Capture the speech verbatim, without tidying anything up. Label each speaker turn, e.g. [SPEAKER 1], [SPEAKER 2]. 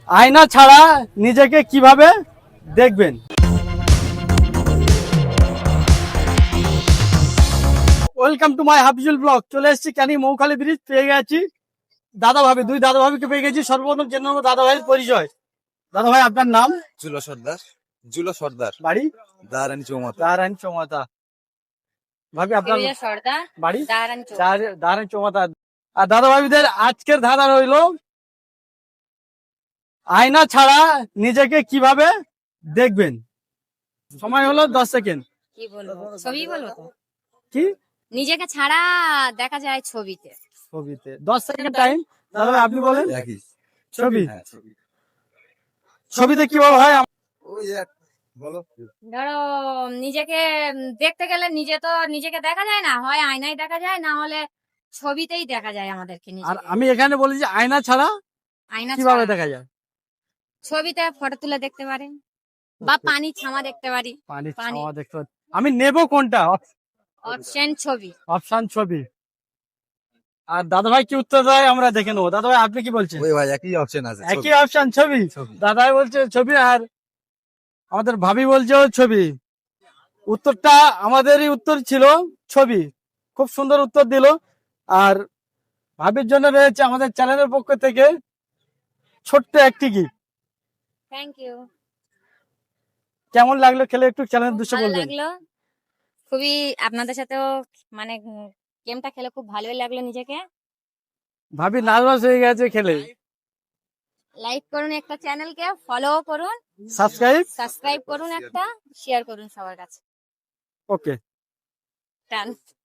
[SPEAKER 1] আয়না ছাড়া নিজেকে কিভাবে দেখবেন? Welcome to my Hafizul blog. চলে এসেছি ক্যানি মৌখালি ব্রিজ, পেয়ে গেছি দাদা ভাবি, দুই দাদা ভাবিকে পেয়ে গেছি। সর্বপ্রথম জেনে নেবো দাদা ভাইয়ের পরিচয়। দাদা ভাই, আপনার নাম?
[SPEAKER 2] জুলো সর্দার। জুলো সর্দার,
[SPEAKER 1] বাড়ি?
[SPEAKER 2] দাঁড়ানি চৌমাথা।
[SPEAKER 1] দারায়ণ চৌমাথা। ভাবি, আপনার
[SPEAKER 3] সর্দার
[SPEAKER 1] বাড়ি?
[SPEAKER 3] দাঁড়ান
[SPEAKER 1] দারায়ণ চৌমাথা। আর দাদা ভাবিদের আজকের ধাঁধা রইল, আয়না ছাড়া নিজেকে কিভাবে দেখবেন? সময় হলো দশ সেকেন্ড।
[SPEAKER 3] কি বলবো, ছবি বলবো তো?
[SPEAKER 1] কি
[SPEAKER 3] নিজেকে ছাড়া দেখা যায় ছবিতে।
[SPEAKER 1] ছবিতে? দশ সেকেন্ড টাইম। দাদা ভাই, আপনি বলেন।
[SPEAKER 2] একই
[SPEAKER 1] ছবি।
[SPEAKER 2] হ্যাঁ, ছবি।
[SPEAKER 1] ছবিতে কিভাবে হয়?
[SPEAKER 2] ওই এক বলো।
[SPEAKER 3] ধরো, নিজেকে দেখতে গেলে নিজে তো নিজেকে দেখা যায় না, হয় আয়নায় দেখা যায়, না হলে ছবিতেই দেখা যায় আমাদেরকে
[SPEAKER 1] আর
[SPEAKER 3] নিজেকে।
[SPEAKER 1] আমি এখানে বলি যে আয়না ছাড়া
[SPEAKER 3] আয়না
[SPEAKER 1] কিভাবে
[SPEAKER 3] ছাড়া
[SPEAKER 1] দেখা যায়?
[SPEAKER 3] ছবিতে ফটো তুলে দেখতে পারি, বা পানি ছামা দেখতে পারি।
[SPEAKER 1] পানি
[SPEAKER 3] পানি।
[SPEAKER 1] ছাওয়া দেখতে পাচ্ছি। আমি নেব কোনটা?
[SPEAKER 3] অপশন ছবি।
[SPEAKER 1] অপশন ছবি। আর দাদা ভাই কি উত্তর দেয় আমরা দেখে নেবো। দাদা ভাই, আপনি কি বলছেন?
[SPEAKER 2] ওই ভাই একই অপশন আছে, ছবি।
[SPEAKER 1] একই অপশন, ছবি।
[SPEAKER 2] ছবি।
[SPEAKER 1] দাদা ভাই বলছে ছবি, আর আমাদের ভাবি বলছে ছবি। উত্তরটা আমাদেরই উত্তর ছিল, ছবি। খুব সুন্দর উত্তর দিল। আর ভাবির জন্য রয়েছে আমাদের চ্যানেলের পক্ষ থেকে ছোট্ট একটি গিফট।
[SPEAKER 3] Thank you.
[SPEAKER 1] কেমন লাগলো খেলে, একটু চ্যানেলের দৃশ্য
[SPEAKER 3] ভালো
[SPEAKER 1] বলবেন?
[SPEAKER 3] লাগলো খুবই, আপনাদের সাথেও মানে গেমটা খেলে খুব ভালোই লাগলো নিজেকে।
[SPEAKER 1] ভাবি নার্ভাস হয়ে গেছে খেলে।
[SPEAKER 3] লাইক করুন একটা চ্যানেলকে, ফলো করুন,
[SPEAKER 1] সাবস্ক্রাইব।
[SPEAKER 3] সাবস্ক্রাইব করুন, একটা শেয়ার করুন সবার কাছে।
[SPEAKER 1] ওকে।
[SPEAKER 3] Done.